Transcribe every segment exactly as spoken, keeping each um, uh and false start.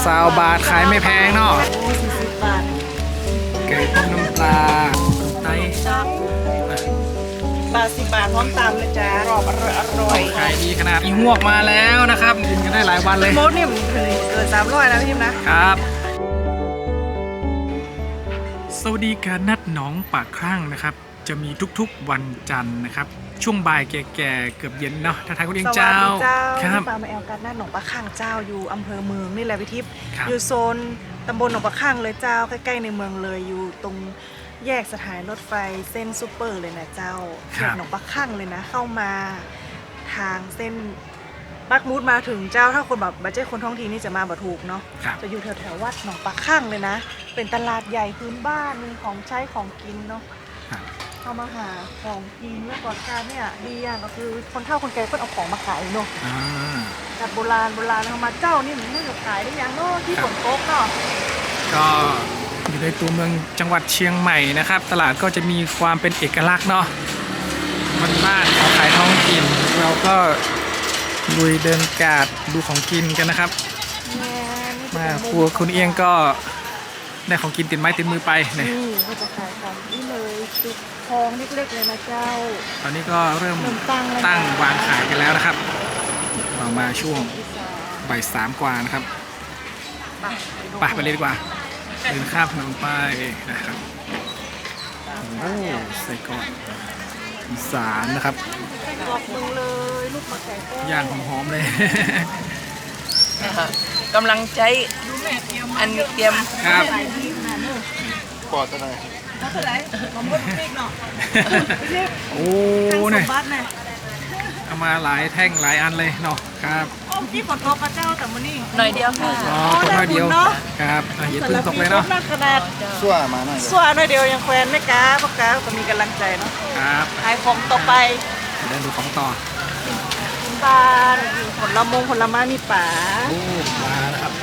สาวบาทขายไม่แพงเนาะสี่สิบบาทไก่ต้มน้ำปลาไตจับบาทสิบบาทพร้อมตามนะจ๊ะรอบอร่อยอร่อยขายดีขนาดอีหวกมาแล้วนะครับกินกันได้หลายวันเลยโมดเนี่ยมันเกินสามร้อยนะพี่ทิมนะครับสวัสดีการนัดหนองปากครั่งนะครับจะมีทุกๆวันจันทร์นะครับช่วงบ่ายแก่ๆเกือบเย็นเนาะทักทายคุณเองเจ้าสวัสดีเจ้าครับปลามาแอลกันหน้าหนองปลาข้างเจ้าอยู่อำเภอเมืองนี่แหละพี่ทิพย์ครับอยู่โซนตำบลหนองปลาข้างเลยเจ้าใกล้ๆในเมืองเลยอยู่ตรงแยกสถานีรถไฟเส้นซูเปอร์เลยนะเจ้าแยกหนองปลาข้างเลยนะเข้ามาทางเส้นปักมูดมาถึงเจ้าถ้าคนแบบบัจเจคนท้องถิ่นนี่จะมาบ่ถูกเนาะครับจะอยู่แถวๆวัดหนองปลาข้างเลยนะเป็นตลาดใหญ่พื้นบ้านมีของใช้ของกินเนาะครับเข้ามาหาของกินแล้วก่อนการเนี่ยดีอย่างก็คือคนเฒ่าคนแก่เพิ่นเอาของมาขายเนาะอ่าแบบโบราณโบราณเอามาเจ้านี่มันไม่ขายได้ยังเนาะที่ฝนตกเนาะก็อยู่ในตัวเมืองจังหวัดเชียงใหม่นะครับ ตลาดก็จะมีความเป็นเอกลักษณ์เนาะบ้านๆของขายท้องถิ่นเราก็ลุยเดินกาดดูของกินกันนะครับแม่นี่มาจะคเป็นรัวคุณเอียงก็ได้ของกินติดไม้ติดมือไปเนี่ยนี่เขาจะขายของนี่เลยจุดทองเล็กๆเลยนะเจ้าตอนนี้ก็เริ่มเริ่มตั้งแล้วนะตั้งวางขายกันแล้วนะครับเรามาช่วงอีสานบ่ายสามกว่านะครับไปไปไปเลยดีกว่าเดินข้ามถนนไปนะครับโอ้ใส่กรอกอีสานนะครับกรอกมึงเลยลูกมะแก่แก้วย่างหอมๆเลยกำลังใช้อันเตรียมครับขายดีขนาดนี้ปอดอะไรแล้วเท่าไหร่ของมดพริกเนาะพี่ทิพย์โอ้ทางสเนี่ยมบัติเนี่ยเอามาหลายแท่งหลายอันเลยเนาะครับโอ้ที่ฝนตกพระเจ้าแต่มื้อนี้หน่อยเดียวค่ะอ๋อตัวน้อยเดียวครับอ่ะอย่าเพิ่งตกเลยเนาะแต่ละปีขนาดชั่วมาหน่อยส่วนหน่อยเดียวยังแควนไม่กล้าปากกาก็มีกำลังใจเนาะครับขายของต่อไปเดินดูของต่อกินบ้านผลมงผลไม้มีป่าโอ้มาแล้วครับ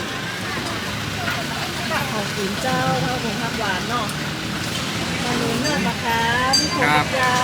ของกินเจ้าข้าวผงผักหวานเนาะมาหนุนเนื้อนะคะพี่ผงเจ้า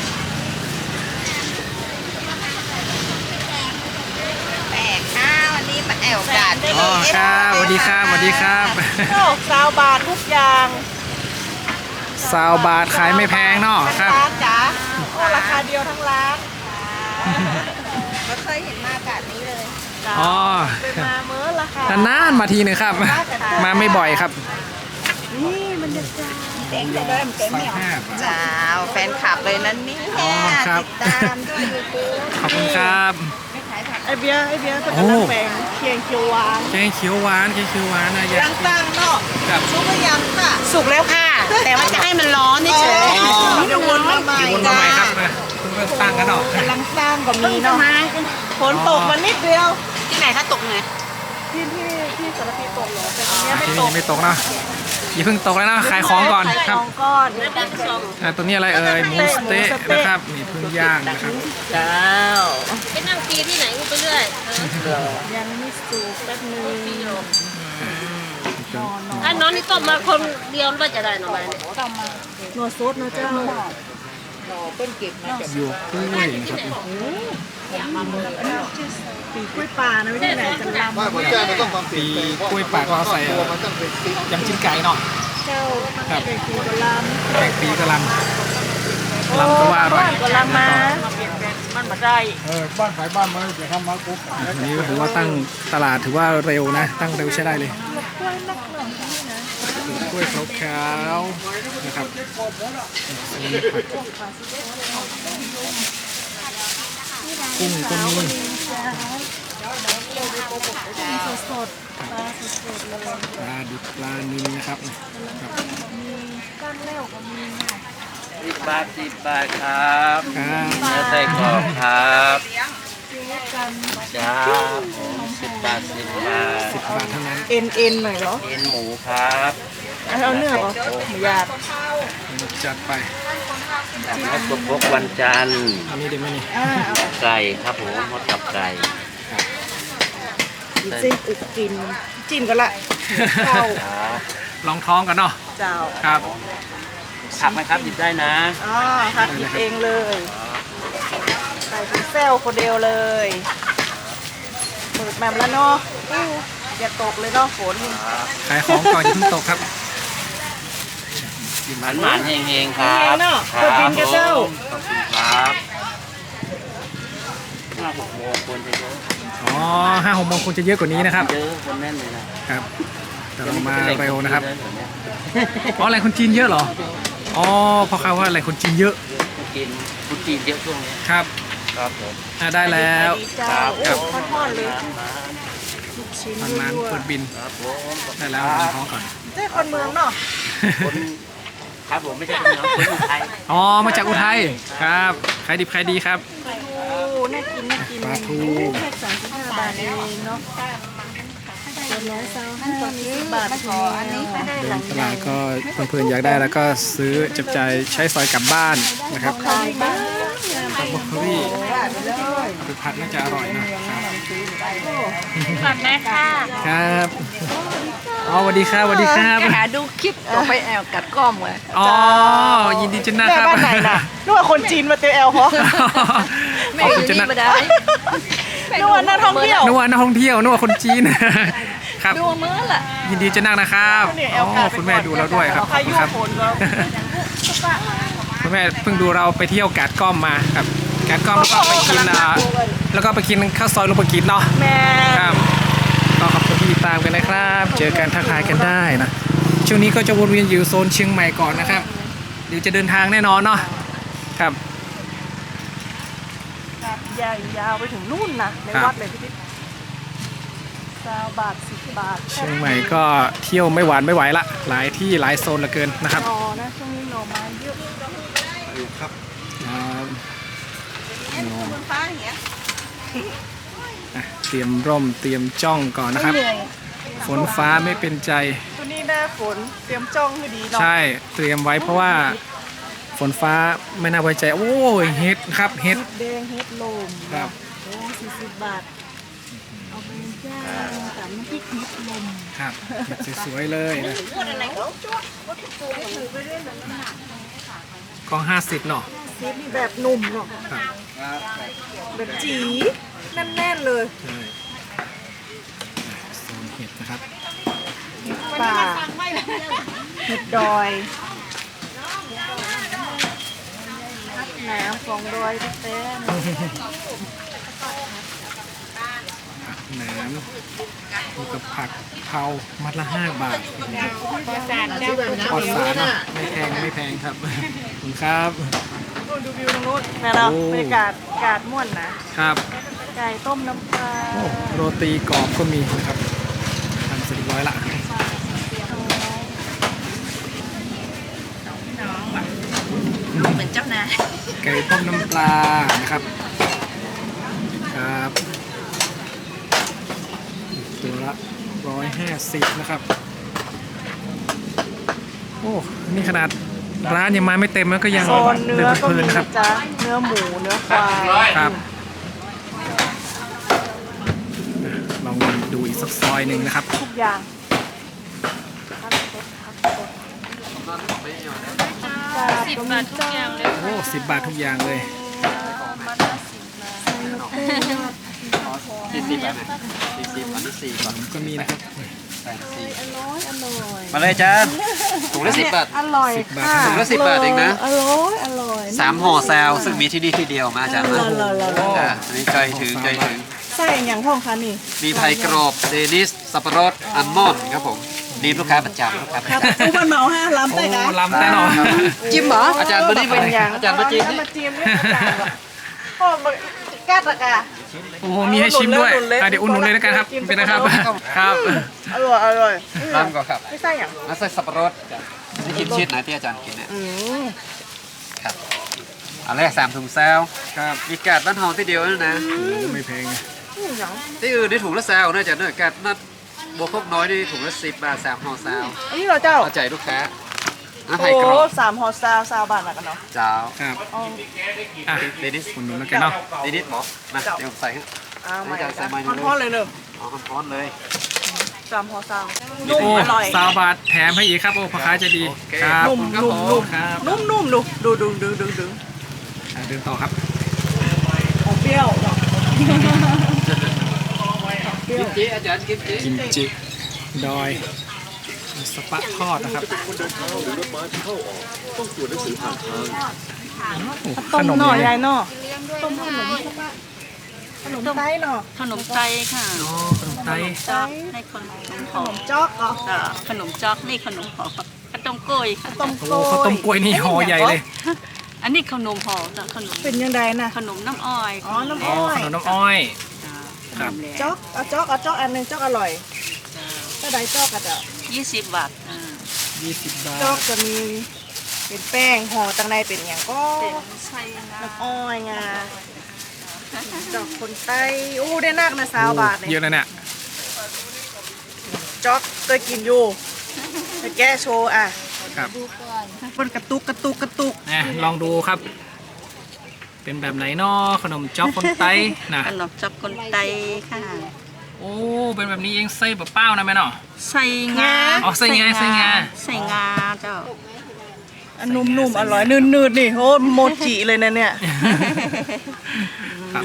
แปลกค่ะวันนี้มาแอวกัดอ๋อครับสวัสดีครับสวัสดีครับโอ้ซาวบาททุกอย่างสาวบาทขายไม่แพงเนาะครับร้านจ๋าโอ้ราคาเดียวทั้งร้านไม่เคยเห็นมากัดนี้เลยจ้าอ๋อไปมาเมื่อราคานานๆมาทีหนึ่งครับ มาไม่บ่อยครับนี่มันจะจ้าเต็งแต่เดิมเต็งไม่ออกจ้าแฟนคลับเลยนั้นนี่อ๋อครับติดตามด้วยยูทูบขอบคุณครับไอเบียร์ไอเบียร์เป็นกำลังแบ่งเคียงเคียวหวานแกงเขียวหวานแกงเขียวหวานนะยาตั้งตั้งเนาะครับสุกหรือยังค่ะ สุกแล้วค่ะ แต่ว่าจะให้มันร้อนนี่เฉยอ๋อเดี๋ยววนมาใหม่เดี๋ยววนมาใหม่ครับนะเพิ่งเริ่มตั้งกันเนาะกำลังสร้างก็มีเนาะฝนตกมานิดเดียวที่ไหนถ้าตกไงที่ที่ที่สารพีตกเหรอแต่ตรงเนี้ยไม่ทีตนี้กไม่ตกเนาะอย่าเพิ่งตกแล้วนะขายของก่อนขายครับของก่อนอ่าตัวนี้อะไรเอ่ยหมูสเต๊ะนะครับนี่เพิ่งย่างนะครับจ้าไปนั่งตีที่ไหนกูไปเรื่อยยังไม่สุกแป๊บนึงนอนนอนถ้าน้องนี่ต้มมาคนเดียวว่าจะได้หน่อไม้เนี่ยนัวซดนะเจ้าอยู่กล้วยนะครับปีกล้วยป่านะไม่ใช่ไหนจะลำว่าหัวใจมันต้องความเปลี่ปียนแปลงกล้วยปากก็เอาใส่ตัวมันต้องเป็นติ๊กยำจิ้มไก่เนาะเจ้าครับเป็นปีกลำแกงปีกะหล่ำลำก็ว่าอร่อยกลำมามันมาได้เออบ้านขายบ้านมันจะทำมาปุ๊บอันนี้ถือว่าตั้งตลาดถือว่าเร็วนะ ตั้งเร็วใช้ได้เลยกล้วยนักหน่อยนี่นะกล้วยขาวๆนะครับกุ้งก็มีสดสดๆปลาสดสดๆเลยปลาดิบปลานิลนะครับครับมีก้านแล้วก็มีเนาะสิบบาทสิบบาทครับครับเนื้อไส้กรอกครับซื้อกันจ้าผมสิบบาทสิบบาทสิบบาทเท่านั้นเอ็นเอ็นหน่อยเหรอเอ็นหมูครับเอาเนื้อเหรอหมูหยาบจัดไปแล้วก็พกวันจันทร์อันนี้เดี๋ยวไม่นี่อ่าเอาไก่ครับผมหมดกับไก่จิ้มอึกกินจิ้มกันละเข้าครับลองท้องกันเนาะเจ้าครับผักไหมครับหยิบได้นะอ๋อหักหยิบเองเลยใส่เป็นเซลคนเดียวเลยเปิดแมมแล้วเนาะอู้อย่าตกเลยเนาะฝนขายของก่อนอย่าเพิ่งตกครับหมานหมานๆเฮงๆครับเฮงๆเนอะเปิดบินกับเจ้าขอบคุณครับห้าหกโมงคนจะเยอะอ๋อห้าหกโมงคงจะเยอะกว่านี้นะครับเยอะคนแน่นเลยนะครับแต่เรามาเร็วนะครับอ๋อแหล่งคนจีนเยอะเหรออ๋อเพราะเขาว่าแหล่งคนจีนเยอะกินคนจีนเยอะช่วงนี้ครับครับผมอ่ะได้แล้วดีเจ้าโอ้ทอดๆเลยลูกชิ้นมันมันยั่วเปิดบินครับผมได้แล้วเอาท้องก่อนๆเจ้าคนเมืองเนาะคนครับผมไม่ใช่คนเหนือคนอุทัยอ๋อมาจากอุทัยครับขายดิบขายดีครับโอ้น่ากินน่ากินปลาทูแค่สามสิบห้าบาทเองเนาะเป็นร้อยซาวห้าสิบบาทพออันนี้ไม่ได้เดินตลาดก็เพื่อนๆอยากได้แล้วก็ซื้อจับจ่ายใช้สอยกลับบ้านนะครับขายบ้างบล็อกโคลี่ไปผัดน่าจะอร่อยนะก่อนไหมค่ะครับอ๋อสวัสดีครับสวัสดีครับหาดูคลิปต่อไปแอลกัดก้อมเลยอ๋อยินดีจังนะแม่ครับบ้านไหนน่ะนึกว่าคนจีนมาเตียวแอลเพราะขอบคุณจังนะไม่ได้นึกว่านักท่องเที่ยวนึกว่านักท่องเที่ยวนึกว่าคนจีนครับดูเมื่อล่ะยินดีจะนั่งนะครับเนี่ยแออ๋ลกาอดคุณแม่ดูเราด้วยครับขพาอบคุยุณครับฝนก็คุณแม่เพิ่งดูเราไปเที่ยวกาดก้อมมาครับกาดก้อมแล้วก็ไปกินอ่าแล้วก็ไปกินข้าวซอยลูกปะกินเนาะแม่ครับก็ขอบคุณที่ติดตามกันนะครับ เจอกันทักทายกันได้นะช่วงนี้ก็จะวนเวียนอยู่โซนเชียงใหม่ก่อนนะครับเดี๋ยวจะเดินทางแน่นอนเนาะครับยาวยาวไปถึงนู่นนะในครับวัดเลยพี่ติ๊กสามบาทสิบบาทเชียงใหม่ก็เที่ยวไม่หวานไม่ไหวละหลายที่หลายโซนเหลือเกินนะครับอ๋อนะช่วงนี้หน่อไม้เยอะครับฟ้าอย่างเงี้ยอ่ะเตรียมร่มเตรียมจ้องก่อนนะครับเหนื่อยฝนฟ้าไม่เป็นใจตัวนี้หน้าฝนเตรียมจ้องให้ดีเนาะใช่เตรียมไว้เพราะว่าฝนฟ้าไม่น่าไว้ใจ โอ้ยเฮ็ดครับเฮ็ดเฮ็ดแดงเฮ็ดลมครับโอ้สี่สิบบาทเอาไปจ้ากับน้ำพริกเฮ็ดลมครับเฮ็ดสวยๆเลยนะกล่องห้าสิบเนาะเฮ็ดนี่แบบหนุ่มเนาะครับแบบจีแน่นๆเลยใช่โซนเห็ดนะครับป่าเห็ดดอยน้ำของดอยพี่เต้นผักแหนมมีกับผักเผามัดละห้าบาทปลอดสารเนาะไม่แพงไม่แพงครับขอบคุณครับนู่นดูวิวตรงนู้นนะเราโอ้บรรยากาศอากาศม่วนนะครับ ไก่ต้มน้ำปลาโอ้โรตีกรอบก็มีนะครับทำเสร็จเรียบร้อยละเหมือนเจ้านายไก่ต้มน้ำปลานะครับครับตัวละร้อยห้าสิบนะครับโอ้นี่ขนาดร้านยังมาไม่เต็มแล้วก็ยังโซนเนื้อก็เพลิมีนๆนะครับนะจ๊ะเนื้อหมูเนื้อควายครับลองดูอีกสักซอยหนึ่งนะครับทุกอย่างสิบบาททุกอย่างเลยโอ้สิบบาททุกอย่างเลยสี่สิบอ่ะสี่สิบอันนี้สี่บาทก็มีนะครับมาเลยจ้าถุงละสิบบาทอร่อยสิบบาทค่ะถุงละสิบบาทเองนะอร่อยอร่อยสามห่อแซวซึ่งมีที่นี่ที่เดียวมาอาจารย์มาอร่อยอร่อยอร่อยอ่ะอันนี้ใจถึงใจถึงใส่อย่างพ่องคะนี่มีไผ่กรอบเดนิส สับปะรด อัลมอนด์ครับผมนี่ลูกค้าประจำลูกค้าประครับจำทุกคนเมาห้าล้ำโอ้ได้กันลำแน่นอนจิ้มเหรออาจารย์มานี่เป็นอย่างอาจารย์มาจิ้มเอนี่มาจิ้มเนี่ยอาจารย์พ่อมาแก้ตะกะโอ้โหมีให้ชิมด้วยหนุนเลยอ่ะเดี๋ยวอุ่นหนุนเลยแล้วกันครับกินเป็นนะครับสับปะรดครับอร่อยอร่อยรำก่อนครับไม่ใช่อย่างมาใส่สับปะรดนี่กินชีสไหนที่อาจารย์กินเนี่ยอืมครับอันแรกสามถุงแซวครับมีกาดบ้านเฮาที่เดียวนั่นนะโอ้ไม่แพงนะอืมอย่างที่อื่นได้ถุงละแซวนะอาจารย์เนอะกาดนัดบวกพวกน้อยนี่ถุงละสิบบาทสามห่อแซวอันนี้เราเจ้าเอาใจลูกค้าอ่ะโอ้ไผ่กรอบสามห่อซาวซาวบาทละกันเนาะเจ้าครับอ๋ออ่ะเดนิสอุ่นหนุนแล้วกันเนาะเดนิสหมอมาเดี๋ยวผมใส่ให้อ้าวไม่อาจารย์ใส่มาอยู่ทอดๆเลยเนอะเอาร้อนๆเลยสามห่อซาวนุ่มโอ้อร่อยซาวบาทแถมให้อีกครับโอ้พ่อค้าใจะดีโอเคครับนุ่มครับนุ่มผมนุ่มครับนุ่มนุ่มดูดูดูดูดูดูอ่ะเดินต่อครับของเปรี้ยวเนาะกิมจิอาจารย์กิมจิกิมจิดอยสปะทอดนะครับต้มหน่อยเลยายเนาะต้มขนมขนมไต้เนาะขนมไทยค่ะอ๋อขนมไทยจอกให้ขนมหขอนมจ๊อกเหรอมขนมจอกนี่ขนมหอมขนมกล้วยค่ะต้มโอ้โกล้วยข้าวต้มกล้วยนี่ห่อใหญ่เลยอันนี้ขนมหอมจ้ะขนมเป็นยังไงนะขนมน้ำอ้อยอ๋อน้ำอ๋ออ้อยขนมน้ำอ้อย ครับจ๊อกเอาจ๊อกเอาจ๊อกอันหนึงจ๊อกอร่อยถ้าได้จ๊อกก็จะยี่สิบบาทอ่ายี่สิบบาจ๊อกทจะมีเป็นแป้งห่อตังในเป็นอย่างก็เป็นไส้งาน้ำอ้อยงาจ๊อกคนไต้อู้ได้นักนะสาวบาทเยเนี่ยอะนะเนี่ยจ๊อกเคยกินอยู่ไปแก้โชว์อ่ะครับมันกระตุกกระตุกกระตุกนะลองดูครับ เป็นแบบไหนเนาะขนมจ๊อกคนไต้นะขนมจอกคนไตค่ะโอ้เป็นแบบนี้เองไส้แบบเป้านะแม่เนาะใส่งาอ๋อใส่งาใส่งาใส่งาเจ้าอันนุ่มๆอร่อยนืดๆนี่โหโมจิเลยนะเนี่ยครับ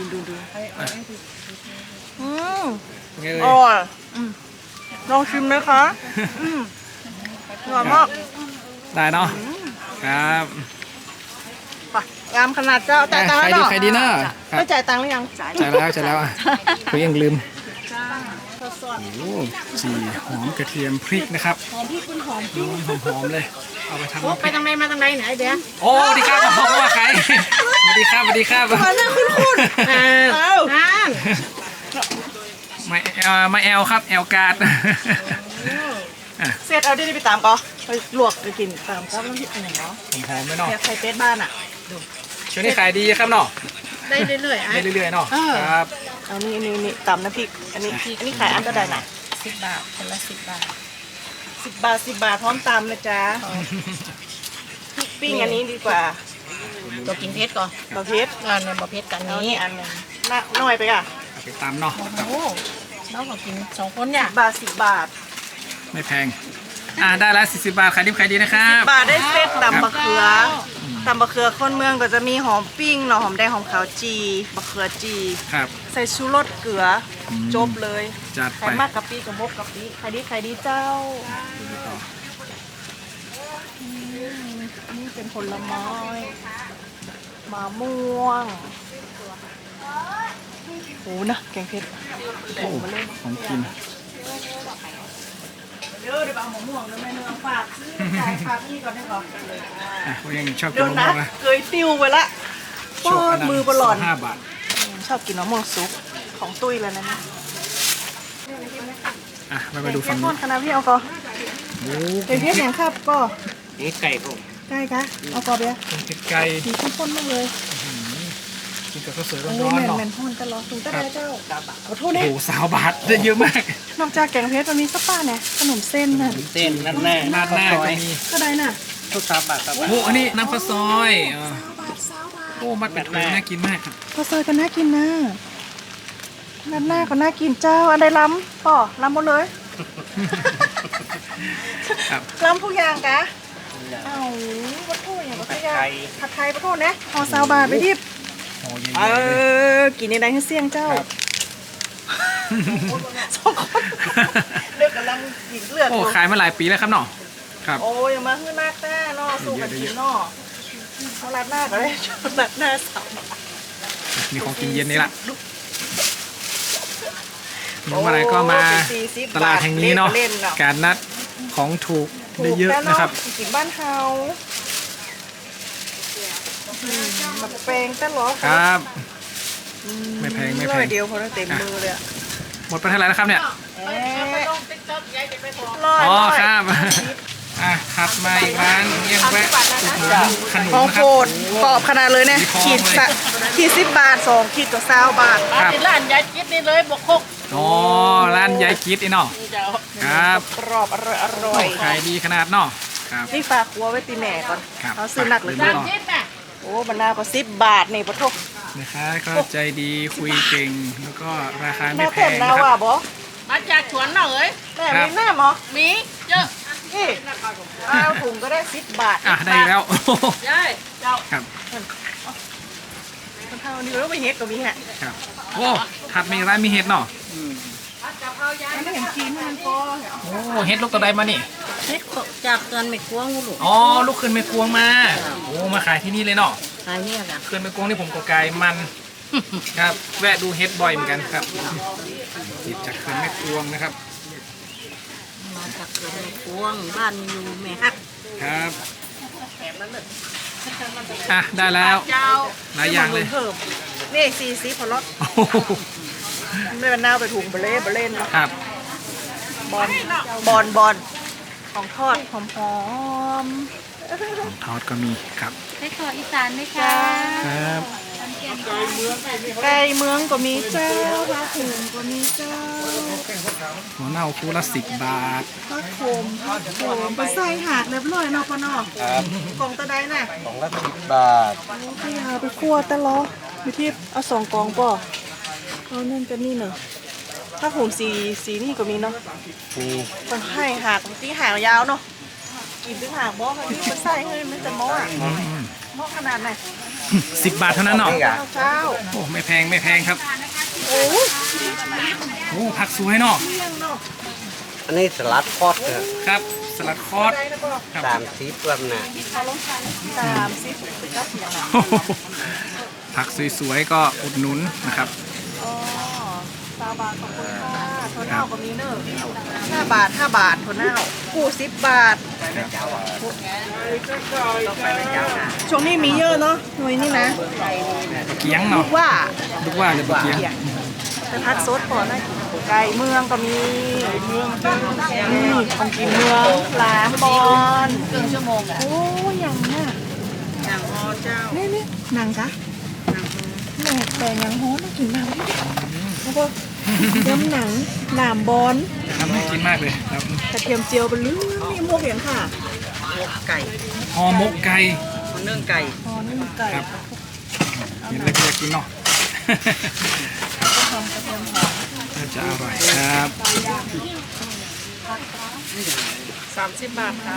อืมไงเอ่อย ร่อยอืมลองชิมไหมคะอืมอร่อยมากได้เนาะครับไปงามขนาดเจ้าจ่ายตังค์ใครแล้วดีเนาะใครดีเนาะครัไม่บจ่ายตังค์หรือยังจ่ายจ่ายแล้วจ่ายแล้วอ่ะผมยังลืมสดโอ้จีหอมกระเทียมพริกนะครับๆหอมพี่คุณหอมหอมหอมๆเลย เอาไปทำโอ้น้ำพไปริกทางไหนมาทางไหนไหนเดี๋ยวโอ้สวัสดีครับผมว่าใครสวัสดีครับสวัสดีครับมาหน้าคุณคุณเออเอาอ่านมาเอ่อมาแอลครับแอลการ์ดเสร็จเอาได้ไปตามก็ไปลวกไปกินตามครับน้ำพริกอะไรเนาะหอมๆเลยเนาะเนี่ยไข่เป็ดบ้านอ่ะช่วงนี้ขายดีครับเนาะได้เรื่อยๆอ่ะได้เรื่อยๆเนาะเออครับเอานี่นี่นี่ตำน้ำพริกอันนี้อันนี้ขายอันเท่าไหร่น่ะสิบบาทคนละสิบบาทสิบบาทสิบบาทพร้อมตำนะจ๊ะพริกปิ้งอันนี้ดีกว่าตัวกินเพชรก่อนบะเพชรงานในบะเพชรกันเอานี้นี่อันหนึงน่าน้อยไปอ่ะเอาไปตามเนาะครับโอ้น้องขอกินสองคนเนี่ยบาทสิบบาทไม่แพงอ่าได้แล้วสี่สิบบาทขายดิบขายดีนะครับบาทได้เซตตำบะเขือตำบะเขือคนเมืองก็จะมีหอมปิ้งเนาะหอมแดงหอมขาวจีบะเขือจีครับใส่ชูรสเกลืออมจบเลยจัดใคไปรมากกะปิกับพกกะปิใครดีใครดีเจ้าอืมนี่เป็นผลไม้มะม่วงโอ้นะแกงเผ็ดโอ้ของกินเดี๋ยวเดี๋ยวเอามะม่วงแล้วแม่เนื้อฝากซื้อจ่ายฝากนี่ก่อนได้ก่อนอ่ะผมยังชอบกิเดี๋นยวมะนะม่วงนะเคยติ้วไปละชอบอันนั้นมือประหลอนสิบห้าบาทชอบกินมะม่วงซุปของตุ้ยแล้วนะเนี่ยอ่ะเรามาดูฝั่งเทนี้นคณะพี่เอาก่อนโอ้เดี๋ยวพี่อย่างครับก็นี่ไก่ผมใกล้คะเอาก่อนเบียร์เป็นเผ็ดไก่ดีข้นๆมากเลยกินกับข้าวสวยร้โอ้อนแมๆนเนาะแมนพ่นตลอดสูงตะไดเจ้าขอโทษโอ้นะโหสาวบาทได้เยอะมากนอกจากแกงเพชรมันมีสปาเนี่ยขนมเส้นน่ะเส้นนั่นแน่ราดหน้าก็มีก็ได้น่ะทุกสามบาทครับโอ้โหอันนี้น้ำข้าวซอยอ่าโอ้มัดเป็นถุงน่ากินมากครับข้าวซอยก็น่ากินนะนัดหน้าก็น่ากินเจ้าอันใดล้ำป่อล้ำหมดเลยครับล้ำทุกอย่างกะเอ้าวัตถุอย่างวัตถุอย่างผัดไทยวัตถุนะห่อซาวบาทไปทิพโอ้เย็นเอๆเลยอกินในใดให้เสี่ยงเจ้าครับสองคนเลือกกำลังกินเลือดอโอ้ยู่ขายมาหลายปีแล้วครับเนาะครับโอ้ยยังมาขึ้นหน้าแต้เนาะสู้กันกินเนาะเขารัดหน้าก็ได้รัดหน้าสาวมีของกินเย็นนี่ละเมื่อไหรก็มาตลาดแห่งนี้เนาะการนัดของถูกได้เยอะนะครับกินบ้านเฮามาแปลงแต่หรอครับ ไม่แพงไม่แพร้อง ยเดียวพอเต็มมือเลยอะหมดไปเท่าไหร่แล้วครับเนี่ยร้อยอ๋อร้อยครับ อ่ะถัดมาอีกร้านเยี่ยมแวะอุดหนุนขนมของนะคโปรัรบดกรอบขนาดเลยเนี่ยมีขีดของเลยสะขีดสิบบาทสองขีดตัวซาวบาทครับร้านยายคิดนี่เลยบวกหกอ๋อร้านยายคิดไอ้เนาะครับกรอบอร่อยอร่อยขายดีขนาดเนาะครับนี่ฝากครัวไว้ตีแหน่ก่อนครับเขาซื้อหนักเหลยฝากไว้ก่อนโอ้บรรณาก็สิบบาทนี่ปะทุกนะคะก็ใจดีคุยเก่งแล้วก็ราคาไม่แม่แพเต็มงนานะคว่ะรับบอมาจากสวนเหรอเอ้ยแม่มีแม่หมอมีเยอะนี่เอาถุงก็ได้สิบบาทอ่ะได้แล้วยายเจ้าครับคนเท่านี้แล้วไปเฮ็ดก็มีฮะครับโอ้ถัดมาอีกร้านมีเห็ดเนาะไม่เห็นกินมันก็โอ้เฮ็ดลูกตัวใดมานี่เฮ็ดจากเกินไม่กวงลูกอ๋อลูกขึ้นไม่กวงมาโอ้มาขายที่นี่เลยเนาะขายเนี่ยกันขึ้นไม่กวงนี่ผมก็ไกลมันครับแวะดูเฮ็ดบ่อยเหมือนกันครับติดจากขึ้นไม่กวงนะครับมาจากเกินไม่กวงบ้านอยู่แม่ฮักครับอ่ะได้แล้วเจ้าหลายอย่างเลยเพิ่มนี่ซีซีพอลดโอ้โหไม่เป็นหน้าไปถุงเบลเล่เบลเล่นเนาะครับบอลบอลบอลของทอดหอมหอมทอดก็มีครับได้ขออีสานไหมคะครับไก่เมืองก็มีเจ้าปลาถุงก็มีเจ้าหัวเน่าคู่ละสิบบาทปลาโขมปลาโขมปลาไส้หักเรียบร้อยเนาะปะเนาะครับกล่องตะไดน่ะสองละสิบบาทขยาไปคั่วตะล้อมีที่เอาสองกล่องป่ะเอานั่นกันนี่เนอะถ้าผมสีสีนี่ก็มีเนาะมีมันให้หักตีหางยาวเนาะกินตีหางบ่มันมันใส่ให้มันจะม้ออ่ะม้อขนาดไหนสิบบาทเท่านั้นเนาะเจ้าเจ้าโอ้ไม่แพงไม่แพงครับโอ้โอ้ผักสวยเนาะเที่ยงเนาะอันนี้สลัดคอดเถอะครับ สลัดคอร์สได้แล้วก็ครับสามสิบวันน่ะสามสิบก็เสียงอ่ะโอ้โหผักสวยๆก็อุดหนุนนะครับอ๋อซาบาทขอบคุณค่ะโทนเน่าก็มีเนอะห้าบาทห้าบาทโทนเน่ากูสิบบาทช่วงนี้มีเยอะเนาะหน่วยนี่นะเกี๊ยงเนาะว่าลูกว่าเลยบะเกี๊ยงแต่พัดซดพอได้ไก่เมืองก็มีเมืองนี่ของกินเมืองหลามบอลครึ่งชั่วโมงอ่ะโอ้ยยังน่ะอย่างพอเจ้านี่นี่หนังกะแหนกแต่ยังโหน่ากินมากเลยแล้วก็เนื้อหนังหนามบอลทำให้กินมากเลยครับกระเทียมเจียวเป็นเรื่องนี่พวกเห็นค่ะไก่ห่อหมกไก่เนื่องไก่อ๋อนี่มันไก่ครับ เห็นแล้วก็อยากกินเนาะ น่าจะอร่อยครับสามสิบบาทค่ะ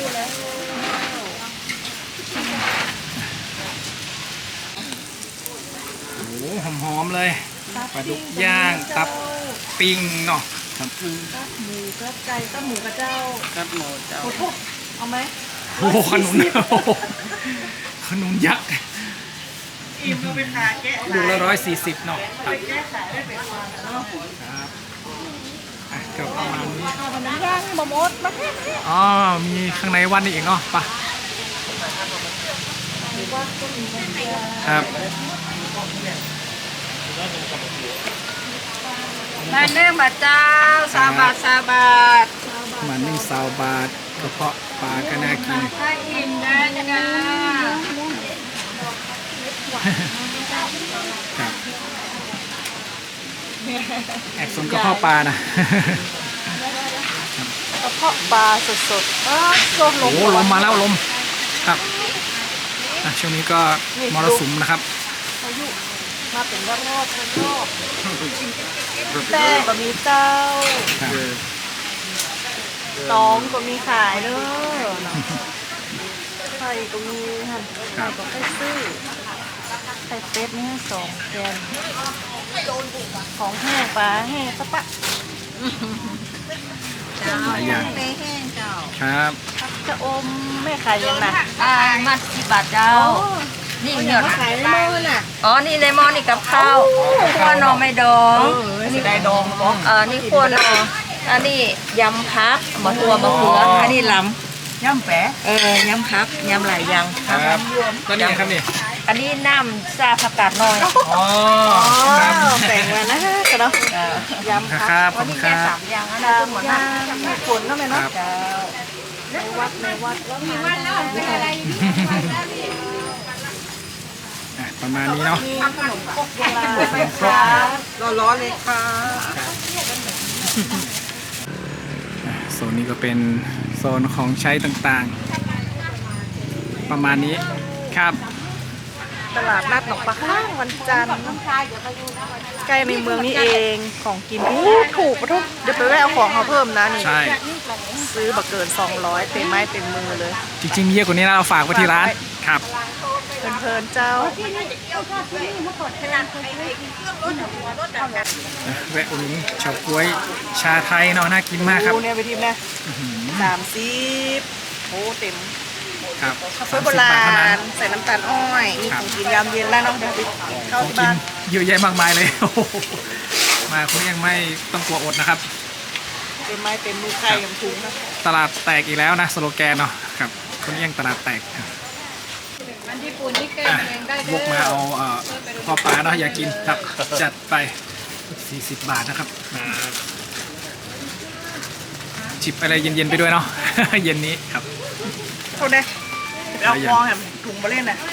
โอ้โหหอมๆเลยปลาดุกย่างตับปิ้งเนาะครับตับหมูตับไก่ตับหมูกระเจ้ากับหมูเจ้าโอ้โหเอาไหมโอ้โหขนุนโอ้โหขนุนยักษ์อิ่มดูไปขาแกะลูกละร้อยสี่สิบเนาะครับแกะขายได้เป็นวันเนาะครับอ่ะก็ประมาณนี้เอามันน้ำย่างมะมดมาให้อ๋อมีข้างในวันนี้อีกเนาะไปะครับมาเนื่องมาเจ้าสามบาทสามบาทมันนึ่งซาวบาทกระเพาะปลาก็น่ากินถ้าอิ่มได้นะครับแอบสนกระเพาะปลานะกระเพาะปลาสดๆอ้าวโดนลโอ้มโหลมมาแล้วลมครับอ่ะช่วงนี้ก็มรสุมนะครับพายุมาเป็นรอบรอบรอบแต่ก็มีเจ้าครับตองก็มีขายเด้อไข่ก็มีหั่นไข่ก็ไข่ซื้อไข่เป็ดนี่สองแกนของแห้งปลาแห้งสะปะเจ้าหลายอย่างเป้แห้งเจ้าครับจะอมแม่ขายยังน่ะอ่ามาสิบบาทเจ้า นี่เหนียวขายในหม้อน่ะอ๋อ นี่ในหม้อนี่กับข้าวคั่วหน่อไม่ดองนี่ได้ดองบ่เออนี่คั่วหน่ออันนี้ยำพักมะตัวมะเขืออันนี้ลย่ำแปะำเออยำพักยำหลายอย่างครับตัวนี้ครับนี่อันนี้น้ำซาผักกาดน้อยอ๋ออ๋อครับแบ่งมานะกันเนาะยำคผักรับขวัอน บคุนี้ณคแค่รับสามอย่างอันดานั้นวหมดย่านะงมีผลเนาะแม่เนาะครับในวัดในวัดแล้วมีวัดแล้วอ่ะประมาณนี้เนาะมีขนมครกโบราณไหมคะร้อนๆเลยค่ะอ่ะโซนนี้ก็เป็นโซนของใช้ต่างๆ ประมาณนี้ครับตลาดนัดหนองปลาข้างวันจันทร์ใกล้ในเมืองนี่เองของกินอู้ถูกปะทุกเดี๋ยวไปแวะเอาของเขาเพิ่มนะนี่ใช่ซื้อบักเกินสองร้อยเต็มไม้เต็มมือเลยจริงๆมีเยอะกว่านี้นะเราฝากไว้ที่ร้านครับเพลินๆเจ้าแวะอุดหนุนเฉาก๊วยชาไทยเนาะน่ากินมากครับโอ้เนี่ยไปทิมนะสามสิบโอ้เต็มครับข้าวโพดโบราณใส่น้ำตาลอ้อย มีของกินยามเย็นแล้วเนาะเดี๋ยวไปเข้าของที่กิบ้าน นเยอะแยะมากมายเลย โอ้โหมาคุณยังไม่ต้องกลัวอดนะครับเต็มไม้เต็มมือไข่กับถุงนะตลาดแตกอีกแล้วนะสโลแกนเนาะครับคุณยังตลาดแตกมันญี่ปุ่นนี่แกงอ่ะเองได้บุเด้กมาเอาเอ่อพ่อปลาเนาะอยากกินครับจัดไปสี่สิบบาทนะครับจิบอะไรเย็นๆไปด้วยเนาะ เย็นนี้ครับโทษนะไปเอาฟองแหมถุงมาเล่นน่ะ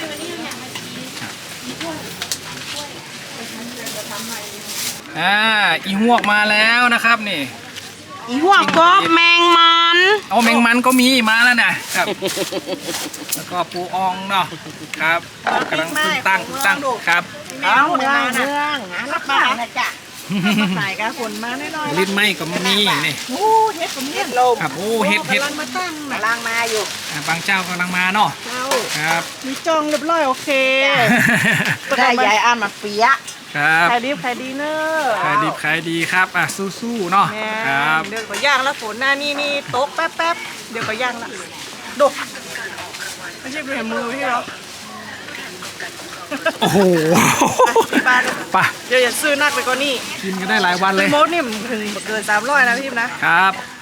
อ่าอีหวกมาแล้วนะครับนี่อีหัวกบแมงมันเอาแมงมันก็มีมาแล้วนะครับ แล้วก็ปูอองเนาะครับกำลังเพิ่งตั้งเพิ่งตั้งครับเอาเมืองเมืองรับมานะจ๊ะสายกาฝนมาแน่นอนลิ้นไหมก็มีนี่โอ้เฮ็ดผมเฮ็ดลมครับโอ้เห็ดเห็ดกำลังมาตั้งน่ะกำลังมาอยู่อ่าบางเจ้ากำลังมาเนาะเจ้าครับมีจองเรียบร้อยโอเคได้ยายอ่านมาเปียะครับขายดีขายดีเนอะขายดีขายดีครับอ่ะสู้ๆเนาะแม่ครับเดี๋ยวก็ย่างแล้วฝนหน้านี่นี่โต๊ะแป๊บแป๊บๆเดี๋ยวก็ย่างละดูไม่ใช่เป็นมือที่เราโอ้โหที่บ้านไป่ะเดี๋ยวอย่าซื้อนักไปกว่านี่กินกันได้หลายวันเลยโมดนี่มันถึงเกินสามร้อยนะพี่นะครับ